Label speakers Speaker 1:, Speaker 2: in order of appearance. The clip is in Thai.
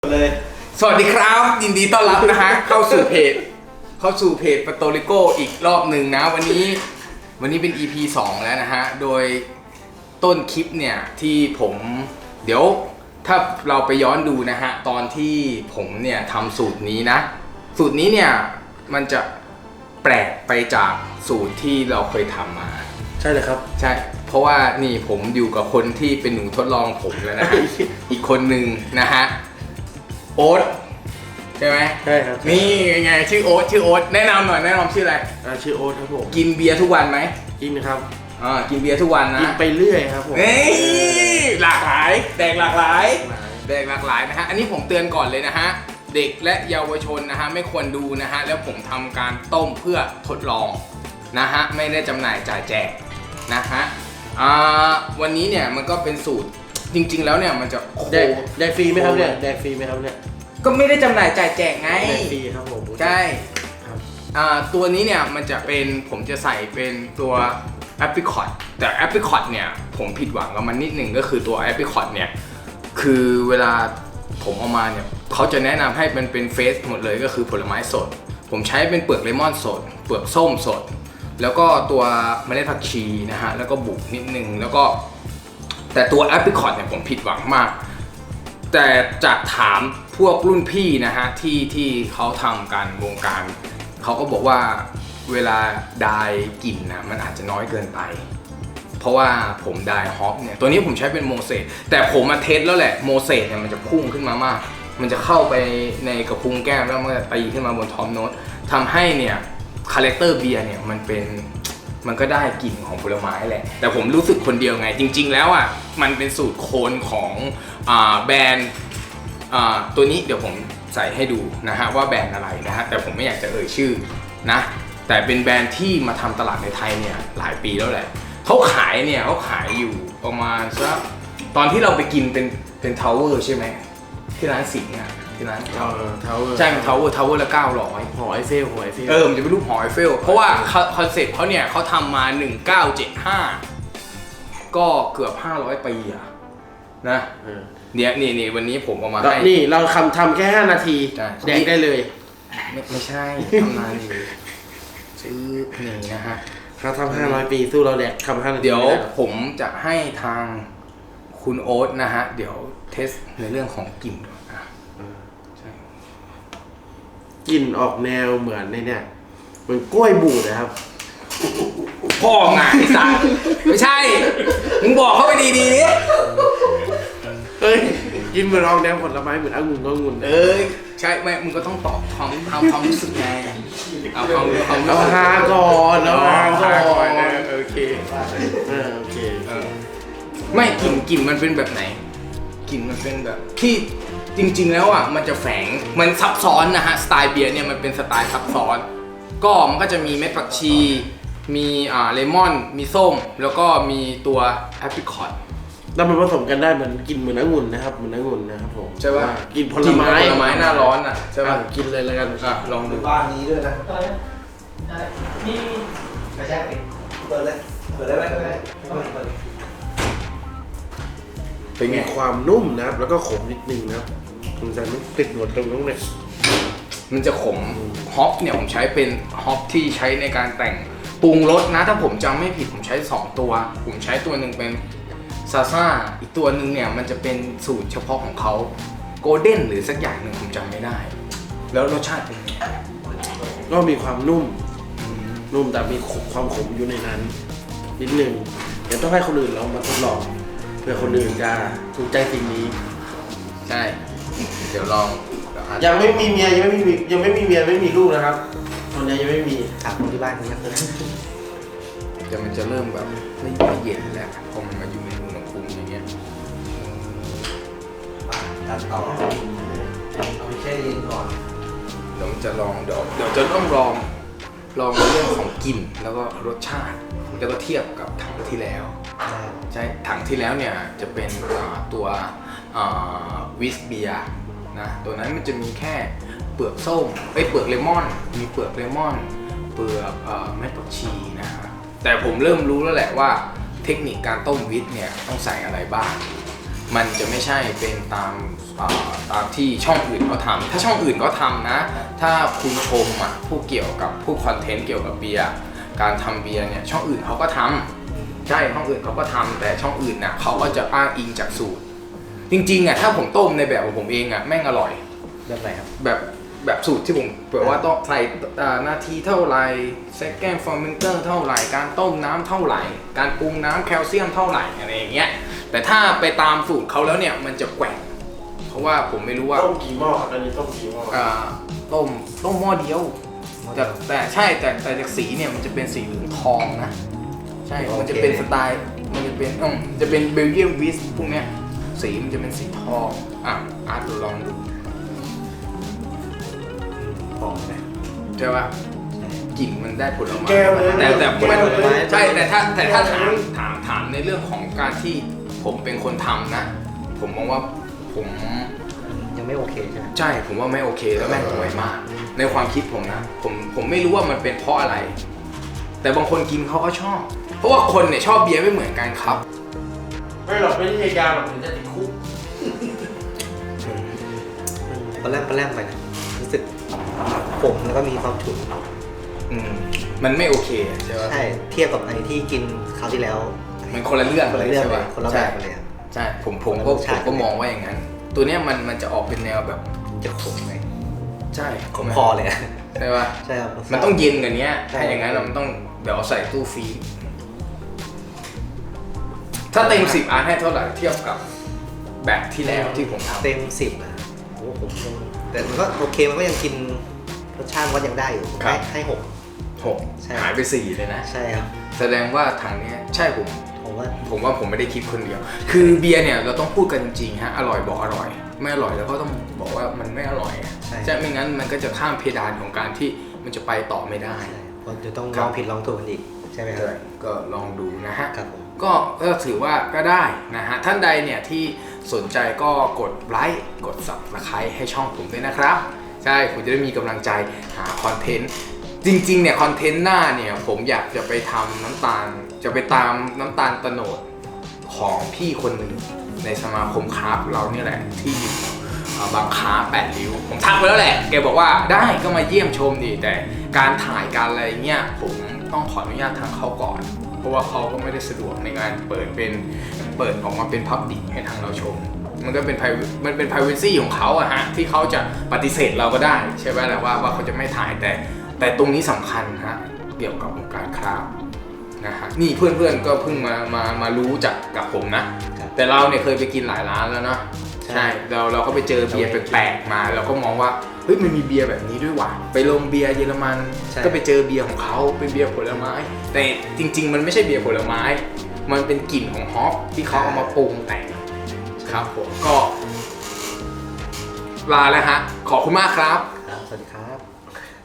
Speaker 1: เลย
Speaker 2: สวัสดีครับยินดีต้อนรับนะฮะเข้าสู่เพจปาโตริโกอีกรอบหนึ่งนะวันนี้เป็น EP 2 แล้วนะฮะโดยต้นคลิปเนี่ยที่ผมเดี๋ยวถ้าเราไปย้อนดูนะฮะตอนที่ผมเนี่ยทำสูตรนี้นะสูตรนี้เนี่ยมันจะแปลกไปจากสูตรที่เราเคยทำมา
Speaker 1: ใช่เลยครับ
Speaker 2: ใช่เพราะว่านี่ผมอยู่กับคนที่เป็นหนูทดลองผมแล้วนะฮะ อีกคนหนึ่งนะฮะโอ๊ตใช่ไหม
Speaker 1: ใช่ครับ
Speaker 2: นี่ไงชื่อโอ๊ตแนะนำหน่อยแนะนำชื่ออะไร
Speaker 1: ชื่อโอ๊ตครับผม
Speaker 2: กินเบียร์ทุกวันไหม
Speaker 1: กินครับ
Speaker 2: กินเบียร์ทุกวันนะ
Speaker 1: กินไปเรื่อยครับผม
Speaker 2: หลากหลายแดกหลากหลายนะฮะอันนี้ผมเตือนก่อนเลยนะฮะเด็กและเยาวชนนะฮะไม่ควรดูนะฮะแล้วผมทำการต้มเพื่อทดลองนะฮะไม่ได้จำหน่ายจ่ายแจกนะฮะวันนี้เนี่ยมันก็เป็นสูตรจริงๆแล้วเนี่ยมันจะ
Speaker 1: แดกฟรีไหมครับเนี่ยแดกฟรีไหมครับเนี่ย
Speaker 2: ก็ไม่ได้จำหน่ายจ่ายแจกไง
Speaker 1: แดกฟรีครับผม
Speaker 2: ใช่ตัวนี้เนี่ยมันจะเป็นผมจะใส่เป็นตัวแอปริคอตแต่แอปริคอตเนี่ยผมผิดหวังกับมันนิดหนึ่งก็คือตัวแอปริคอตเนี่ยคือเวลาผมเอามาเนี่ยเขาจะแนะนำให้มันเป็นเฟสหมดเลยก็คือผลไม้สดผมใช้เป็นเปลือกเลมอนสดเปลือกส้มสดแล้วก็ตัวเมล็ดผักชีนะฮะแล้วก็บุกนิดนึงแล้วก็แต่ตัวแอปริคอตเนี่ยผมผิดหวังมากแต่จากถามพวกรุ่นพี่นะฮะที่เขาทำการวงการเขาก็บอกว่าเวลาไดกลิ่นนะมันอาจจะน้อยเกินไปเพราะว่าผมไดฮอปเนี่ยตัวนี้ผมใช้เป็นโมเสสแต่ผมมาเทสแล้วแหละโมเสสเนี่ยมันจะพุ่งขึ้นมามากมันจะเข้าไปในกระพุ้งแก้มแล้วมันจะตีขึ้นมาบนท็อปโน้ตทำให้เนี่ยคาแรคเตอร์เบียร์เนี่ยมันก็ได้กลิ่นของผลไม้แหละแต่ผมรู้สึกคนเดียวไงจริงๆแล้วอ่ะมันเป็นสูตรโคนของแบรนด์ตัวนี้เดี๋ยวผมใส่ให้ดูนะฮะว่าแบรนด์อะไรนะฮะแต่ผมไม่อยากจะเอ่ยชื่อนะแต่เป็นแบรนด์ที่มาทำตลาดในไทยเนี่ยหลายปีแล้วแหละเขาขายอยู่ประมาณสักตอนที่เราไปกินเป็นทาวเวอร์ใช่ไหมที่ร้านสิงห์อ่ะที่ร้าน
Speaker 1: ทาวเวอร์
Speaker 2: ใช่เป็นทาวเวอร์ละ900
Speaker 1: หอไอเฟล
Speaker 2: มันจะเป็นรูปหอไอเฟลเพราะว่าคอนเซ็ปต์เขาเนี่ยเขาทำมา1975ก็เกือบ500 ปีอะนะนี่วันนี้ผมเอามาให้
Speaker 1: นี่เราทำแค่5 นาทีแดกได้เลย
Speaker 2: ไม่ใช่ทำนานเลยซื้อนี่นะฮะ
Speaker 1: เขาทำ500 ปีสู้เราแดกทำ5 นาที
Speaker 2: เดี๋ยวผมจะให้ทางคุณโอ๊ตนะฮะเดี๋ยวเทสในเรื่องของกลิ่นใช่
Speaker 1: กลิ่นออกแนวเหมือนเนี่ยเหมือนกล้วยบูดนะครับ
Speaker 2: พ่อไงไอ้สัสไม่ใช่มึงบอกเขาไปดีๆดิ
Speaker 1: เฮ้ยกินเหมือนออกแนวผลไม้เหมือนองุ่น
Speaker 2: ใช่ไม่มึงก็ต้องตอบความรู้สึกไงเอา
Speaker 1: ฮาก่อน
Speaker 2: โอเค
Speaker 1: โอเค
Speaker 2: ไม่กลิ่นมันเป็นแบบไหนกลิ่นมันเป็นแบบที่จริงๆแล้วอ่ะมันจะแฝงมันซับซ้อนนะฮะสไตล์เบียร์เนี่ยมันเป็นสไตล์ซับซ้อนก็มันก็จะมีเม็ดผักชีมีเลมอนมีส้มแล้วก็มีตัวแอปริคอต
Speaker 1: แล้วมันผสมกันได้เหมือนกินเหมือนองุ่นนะครับเหมือนองุ่นนะครับผม
Speaker 2: ใช่ป่ะ
Speaker 1: กินผลไม้
Speaker 2: หน้าร้อนอ่ะใช่ป่ะ
Speaker 1: กินเลยแล้วกัน
Speaker 2: ลองดู
Speaker 3: บ้านนี้ด้วยนะนี่ไม่ใช่เปิดได้ไหม
Speaker 1: เป็นมีความนุ่มนะครับแล้วก็ขมนิดนึงนะครับคุณจะไม่ติดหนวดตรงนู้นเนี่ย
Speaker 2: มันจะขมฮอปเนี่ยผมใช้เป็นฮอปที่ใช้ในการแต่งปรุงรสนะถ้าผมจำไม่ผิดผมใช้2ตัวผมใช้ตัวหนึ่งเป็นซาซ่าอีกตัวหนึ่งเนี่ยมันจะเป็นสูตรเฉพาะของเขาโกลเด้นหรือสักอย่างหนึ่งผมจำไม่ได้แล้วรสชาติเป็นไง
Speaker 1: ก็มีความนุ่มแต่มีความขมอยู่ในนั้นนิดนึงเดี๋ยวต้องให้คนอื่นลองมาทดลองเพื่อคนอื่นจะถูกใจสิ่งนี้
Speaker 2: ใช่เดี๋ยวลอง
Speaker 1: ยังไม่มีเมียยังไม่มีเมียไม่มีลูกนะครับตอนนี้ยังไม่มี
Speaker 3: ถามคนที่บ้านกันนะ
Speaker 2: แต่มันจะเริ่มแบบไม่เย็นแล้วพอมันมาอยู่ในอุณหภูมิอย่างเงี้ย
Speaker 3: ตัดต่อเอาแค่เย็นก่อน
Speaker 2: เดี๋ยวจะลองเดี๋ยวจะต้องลองในเรื่องของกลิ่นแล้วก็รสชาติแล้วก็เทียบกับถังที่แล้วใช่ถังที่แล้วเนี่ยจะเป็นตัววิสเบียนะตัวนั้นมันจะมีแค่เปลือกส้มเปลือกเลมอนมีเปลือกเลมอนเปลือกเม็ดผักชีนะฮะแต่ผมเริ่มรู้แล้วแหละว่าเทคนิคการต้มวิสเนี่ยต้องใส่อะไรบ้างมันจะไม่ใช่เป็นตามที่ช่องอื่นเขาทำถ้าช่องอื่นก็ทำนะถ้าคุณชมผู้เกี่ยวกับผู้คอนเทนต์เกี่ยวกับเบียร์การทำเบียร์เนี่ยช่องอื่นเขาก็ทำใช่ช่องอื่นเขาก็ทำแต่ช่องอื่นนะเขาก็จะอ้างอิงจากสูตรจริงๆถ้าผมต้มในแบบของผมเองแม่งอร่อย
Speaker 3: แบบไหนครับ
Speaker 2: แบบสูตรที่ผมแบบว่าต้องใส่นาทีเท่าไหร่ second fermenter เท่าไหร่การต้มน้ำเท่าไหร่การปรุงน้ำแคลเซียมเท่าไหร่อะไรอย่างเงี้ยแต่ถ้าไปตามสูตรเขาแล้วเนี่ยมันจะแกว่งเพราะว่าผมไม่รู้ว่า
Speaker 1: ต้มกี่หม้อครับอันนี้ต้มกี่หม้อ
Speaker 2: ต้มหม้อเดียวแต่ใช่แต่จากสีเนี่ยมันจะเป็นสีเหลืองทองนะใช่มันจะเป็นสไตล์มันจะเป็นเบลเยียมวิสพวกเนี้ยสีมันจะเป็นสีทองอาร์ตลองดู
Speaker 3: หอมไหม
Speaker 2: ใช่ป่ะกลิ่นมันได้ผลไม้
Speaker 1: แก้วเลย
Speaker 2: แต่มัน
Speaker 1: แก้วเลย
Speaker 2: ใช่แต่ถ้าถามในเรื่องของการที่ผมเป็นคนทำนะ ผมมองว่าผม
Speaker 3: ยังไม่โอเคใช่ไหม
Speaker 2: ใช่ผมว่าไม่โอเคแล้วแม่งห่วยมาก ในความคิดผมนะผมไม่รู้ว่ามันเป็นเพราะอะไร แต่บางคนกินเขาก็ชอบ เพราะว่าคนเนี่ยชอบเบียร์ไม่เหมือนกันครับ
Speaker 1: ไม่หรอกไม่ใช่ยาหรอกถึงจะติดคุก
Speaker 3: ปลาแรมไปนะรู้สึกผมแล้วก็มีความฉุน
Speaker 2: มันไม่โอเคใช่ไหม
Speaker 3: ใช่เทียบกับไอ้ที่กินคราวที่แล้ว
Speaker 2: มันคนละเรื่อง
Speaker 3: คนละ
Speaker 2: เลย
Speaker 3: เรื่อง
Speaker 2: ใช่
Speaker 3: เล
Speaker 2: ป่ะ
Speaker 3: ยคนละแบบเลยอะ
Speaker 2: ใช่ผม
Speaker 3: คนละ
Speaker 2: ก็
Speaker 3: รสชาติ
Speaker 2: มองว่าอย่างนั้น ตัวเนี้ยมันจะออกเป็นแนวแบบ
Speaker 3: จะขมไหม
Speaker 2: ใช่
Speaker 3: ขมคอเลยอะ
Speaker 2: ใช่ป่ะ
Speaker 3: ใช่ครับ
Speaker 2: มันต้องเย็นกว่านี้
Speaker 3: ใช่
Speaker 2: ถ้าอย่างนั้นมันต้องเดี๋ยวเอาใส่ตู้ฟรีซถ้าเต็ม10ให้เท่าไหร่เทียบกับแบบที่แล้วที่ผมทำ
Speaker 3: เต็ม10นะโอ้ผมยังแต่มันก็โอเคมันก็ยังกินรสชาติมันยังได้อยู่ให้6
Speaker 2: 6
Speaker 3: ใช่
Speaker 2: หายไป4เลยนะ
Speaker 3: ใช่ครับ
Speaker 2: แสดงว่าถังเนี้ยใช่ผม
Speaker 3: ผมว่า
Speaker 2: ผมไม่ได้คิดคนเดียว คือเบียร์เนี่ยเราต้องพูดกันจริงๆฮะอร่อยบอกอร่อย ไม่อร่อยแล้วก็ต้องบอกว่ามันไม่อร่อยอะใช่ไม่งั้นมันก็จะข้ามเพดานของการที่มันจะไปต่อไม่ได้
Speaker 3: ใช่เพราะจะต้อง
Speaker 2: ครั
Speaker 3: ล
Speaker 2: บ
Speaker 3: องผิดลองถูกกันอีกใช่ไหมครับ
Speaker 2: ก็ลองดูนะฮะ
Speaker 3: ครับผม
Speaker 2: ก็ถือว่าก็ได้นะฮะท่านใดเนี่ยที่สนใจก็กดไลค์กด Subscribe ให้ช่องผมด้วยนะครับใช่ผมจะได้มีกำลังใจหาคอนเทนต์จริงๆเนี่ยคอนเทนต์หน้าเนี่ยผมอยากจะไปทำน้ำตาลจะไปตามน้ำตาลโตโนดของพี่คนหนึ่งในสมาคมคราฟต์เราเนี่ยแหละที่อยู่บางค้า8 ริ้วผมทักไปแล้วแหละแกบอกว่าได้ก็มาเยี่ยมชมดิแต่การถ่ายการอะไรเงี้ยผมต้องขออนุญาตทางเขาก่อน เพราะว่าเขาก็ไม่ได้สะดวกในการเปิดออกมาเป็นพับบิกให้ทางเราชม มันก็เป็นมันเป็น privacy ของเขาอะฮะที่เขาจะปฏิเสธเราก็ได้ใช่ไหมแหละว่าเขาจะไม่ถ่ายแต่ตรงนี้สำคัญฮะเกี่ยวกับวงการคราฟต์นะฮะนี่เพื่อนๆก็เพิ่งมารู้จักกับผมนะ แต่เราเนี่ยเคยไปกินหลายร้านแล้วเนาะใช่เราก็ไปเจอเบียร์แปลกๆมาเราก็มองว่าเฮ้ยมันมีเบียร์แบบนี้ด้วยว่ะไปลงเบียร์เยอรมันก็ไปเจอเบียร์ของเขาเป็นเบียร์ผลไม้ แต่จริงๆมันไม่ใช่เบียร์ผลไม้ มันเป็นกลิ่นของฮอปที่เขาเอามาปรุงแต่งครับผมก็ลาแล้วฮะขอบคุณมากครับ
Speaker 3: สวัสดีครับ